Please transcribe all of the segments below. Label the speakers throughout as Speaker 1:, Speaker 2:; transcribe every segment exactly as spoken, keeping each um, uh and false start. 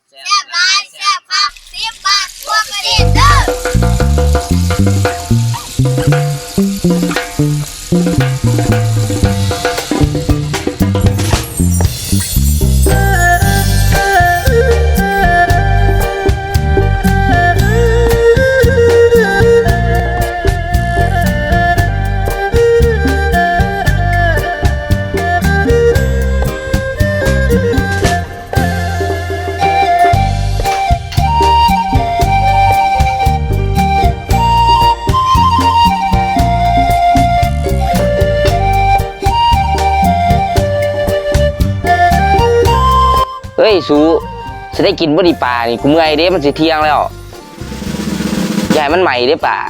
Speaker 1: แซ่บหลายแซ่บคักสิบบาทพวกกระดิ่งเด้
Speaker 2: เฮ้ยสูจะได้กินบ่ดีป่านี่กูเมื่อยเด้มันสิเที่ยงแล้วใหญ่มันใหม่เด้ป่า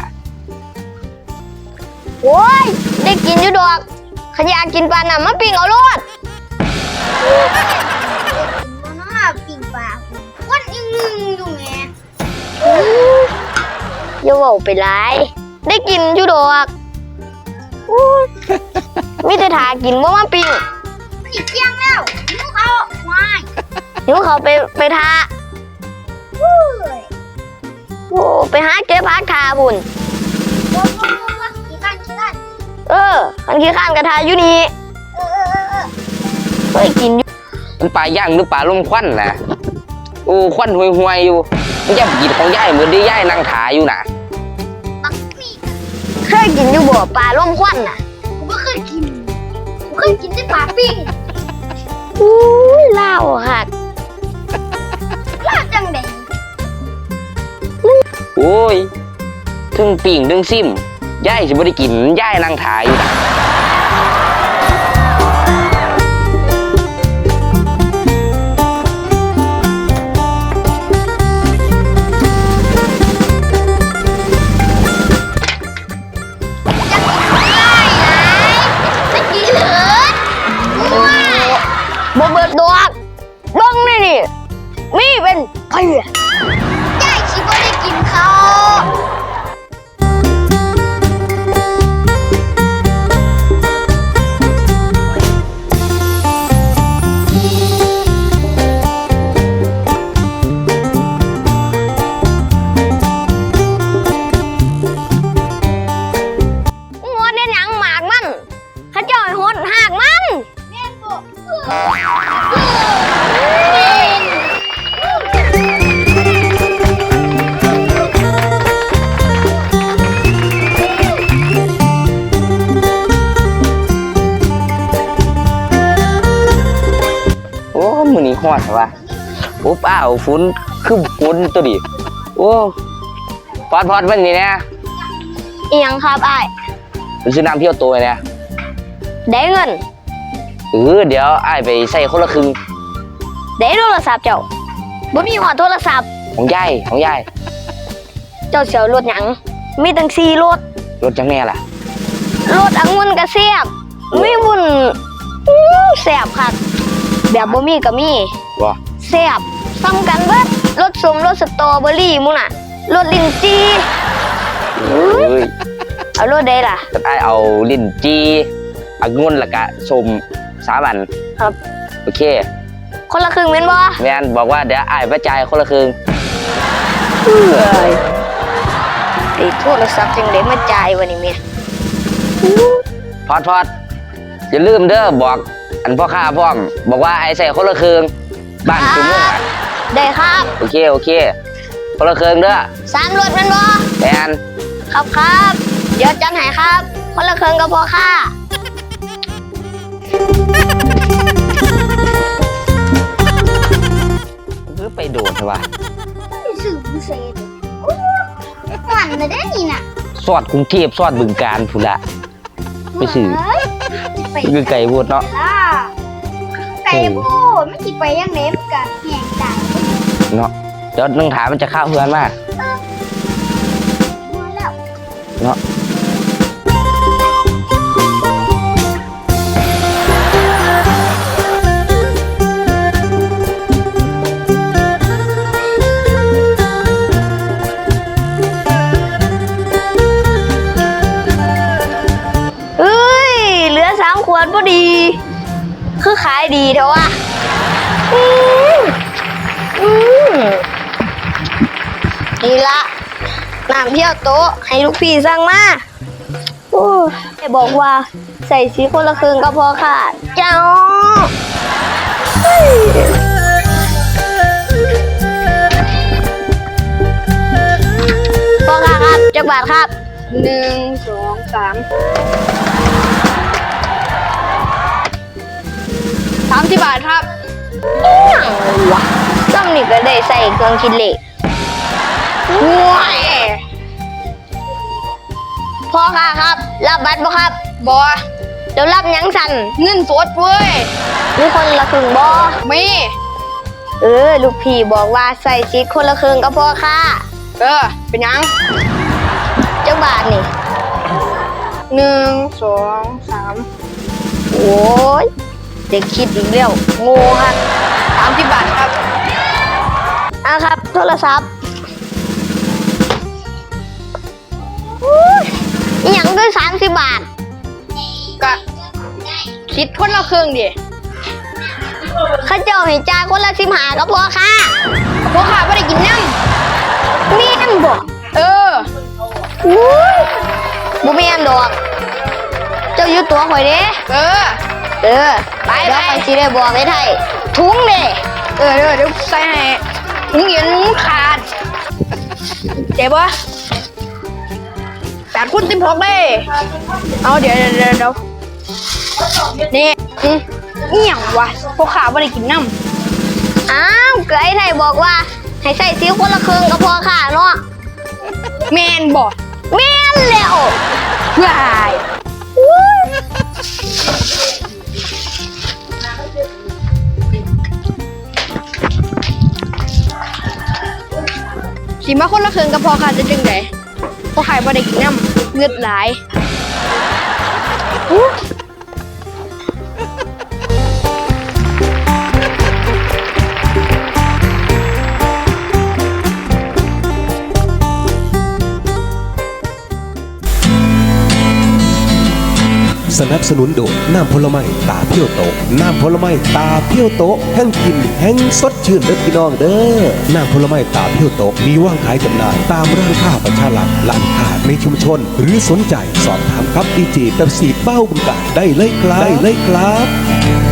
Speaker 3: โอ้ยได้กินอยู่ดอกขยะกินปลาหนำมาปิ้งเอาโลด
Speaker 1: มันน่าปิ่งปลาวันอีนึงอยู่แม่
Speaker 3: อย่าเว้าไปหลายได้กินอยู่ดอกอู้มีแต่ถากินบ่มาปิ้ง
Speaker 1: มันอีกเที่ยงแล้วหิวเขาวาย
Speaker 3: หิวเขาไปไปทา
Speaker 1: เฮ้ย
Speaker 3: โอ้ไปหาเก็บผักทาบุญ
Speaker 1: ว้าวว้าวว้าวกี่กันกี่กัน
Speaker 3: เอออันขี้ข้านกระทาอยู่นี่
Speaker 1: เออเออเออเออ
Speaker 3: เคยกินอยู่
Speaker 2: มันปลาย่างหรือปลาลมควันนะโอ้ควันห่วยๆอยู่มันจะกินของย่ายเหมือนได้ย่ายนั่งถ่ายอยู่นะ
Speaker 1: บักมี่
Speaker 3: เคยกินอยู่บ่ปลาล่มควันน่ะ
Speaker 1: กูไม่เคยกินกูเคยกินแต่ปลาปิ้ง
Speaker 3: อู้ยเล่าหัก
Speaker 1: ลาดจังได
Speaker 2: โอ้ยถึงปิ่งถึงซิมย่ายสิบ่ได้กินย่ายนั่งถ่ายอยู่นะ
Speaker 1: ไม่กินเลยว้าย
Speaker 3: บ่เบิดดอกเบิ่งนี่นี่มีเป็นเพีย
Speaker 1: ยายคิดว่าได้กินเขา
Speaker 3: หัวเด่นหยังหมากมันเขาเจ้าให้หดหากมัน
Speaker 1: แม่บอก
Speaker 2: โอ้มื้อนี้ฮอดว่ะโอ้ป้าวฝนคือฝนตัวดิโอ้พอดพอดวันนี้นะ
Speaker 3: เอียงครับอ้าย
Speaker 2: ไปซื้อน้ำเที่ยวตัวเนี่ย
Speaker 3: ได้เงิน
Speaker 2: เออเดี๋ยวอ้ายไปใส่คนละครึ่ง
Speaker 3: ได้โทรศัพท์เจ้าบ่มีหอดโทรศัพท์
Speaker 2: ของย่ายของย่าย
Speaker 3: เจ้าเสียวรถหยังมีตั้งสี่รถ
Speaker 2: รถจังแน่ล่ะ
Speaker 3: รถองุ่นก็แซ่บมีบุญอื้อแซ่บคักแบบบ่มีก็มี
Speaker 2: บ่
Speaker 3: แซ่บซ้ำกันเบิดรสส้มรสสตรอเบอรี่มุ่นน่ะรสลิ้นจี่
Speaker 2: เอ้ย
Speaker 3: เอารสใดล่ะ
Speaker 2: ก็ได้เอาลิ้นจีองุ่นแล้วก็ส้มสามอัน
Speaker 3: ครับ
Speaker 2: โอเค
Speaker 3: คนละครึ่งแม่นบ่
Speaker 2: แม่นบอกว่าเดี๋ยวอ้ายไปจ่ายคนละครึ่ง
Speaker 3: เอ้ยไอ้โทรศัพท์จังได๋มาจ่ายวะนี่แม่
Speaker 2: พอดพอดอย่าลืมเด้อบอกอันพ่อค้าพร้อมบอกว่าไอ้ใส่คนละครึ่งบ้านคุณมุ่งอะ
Speaker 3: ได้ครับ
Speaker 2: โอเคโอเคคนละครึ่งเด้อ
Speaker 3: สามรถแม่นบ่
Speaker 2: แม่น
Speaker 3: ครับครับเดี๋ยวจัดให้ครับคนละครึ่งก็พอค่ะ
Speaker 2: คือไปโดดใช่ป่ะ
Speaker 1: ไม่สื่อพิเศษโอ้หวานเลยได้นี่น่ะ
Speaker 2: สอดกรุงเทพสอดบึงการพุ่นละไปสื่อ
Speaker 1: เฮ้ยไป
Speaker 2: คือไก่พูดเนาะ
Speaker 1: ล่ะไก่พูดไม่คิดไปยังเล็บกับแหงไก่
Speaker 2: เนาะเดี๋ยวนึงถามมันจะเข้าเพื่อนมา
Speaker 1: มาแล้ว
Speaker 2: เนาะ
Speaker 3: เอ้ยเหลือสามขวดพอดี คือขายดีเถอะวะอืมอืมนี่ละน้ำเที่ยวโต๊ะให้ลูกพี่สั่งมาโอ้แม่บอกว่าใส่สีคนละครึ่งก็พอค่ะ เจ้าพ่อค่ะครับจักบาทครับหนึ่งสองสามสามสิบบาทครับอหย่างวะซ้ำนี่ก็ได้ใส่เครื่องคิดเลขว้ายพ่อค่ะครับ รับบัตรบ่ครับบ่เดี๋ยวรับหยังสั่นเงินสดเว้ยมีคนละครึ่งบ่มีเออลูกพี่บอกว่าใส่ชิดคนละครึ่งก็พอค่ะเออเป็นยังจังบาทนี่หนึ่งสองสามโอ้ยเด็กคิดอีกแล้วโง่ครับสามสิบบาทครับอ่ะครับโทรศัพท์อีหยังด้วยสามสิบบาทก็คิดคนละครึ่งดิข้าเจ้าเห็นจ่ายคนละสิบห้าก็พอค่ะพอค่ะไม่ได้กินน้ำเมียนบอกเอออุ้ยบุเมียนดอกเจ้าอยู่ตัวข่อยเด้เออเออไปไปข่อยสิได้บอกไอ้ไทยถุงเด้เออเดี๋ยวเดี๋ยวใส่ให้ถุงเย็นขาดเจ็บปะแปดคุณสิบหกเลยเอาเดี๋ยวเดี๋ยวเดี๋ยวนี่อืมนี่อย่างวะพวกข้าไม่ได้กินน้ำอ้าวเกยไทยบอกว่าให้ใส่ซีคนละครึ่งก็พอค่ะเนาะแมนบอกแมนแล้ววายสีมาคนละครึ่งก็พอค่ะจะจึงไงพวกข้าไม่ได้กินน้ำเลือดไหล
Speaker 4: สนับสนุนโดยน้ำผลไม้ตาเพียวโตน้ำผลไม้ตาเพียวโตแห่งกินแห่งสดชื่นเด้อพี่น้องเด้อน้ำผลไม้ตาเพียวโตมีวางขายจำหน่ายตามร้านค้าประชารัฐร้านค้าในชุมชนหรือสนใจสอบถามครับดีเจเป๊ปซี่เป้าบุญกาได้เลยครับได้เลยครับ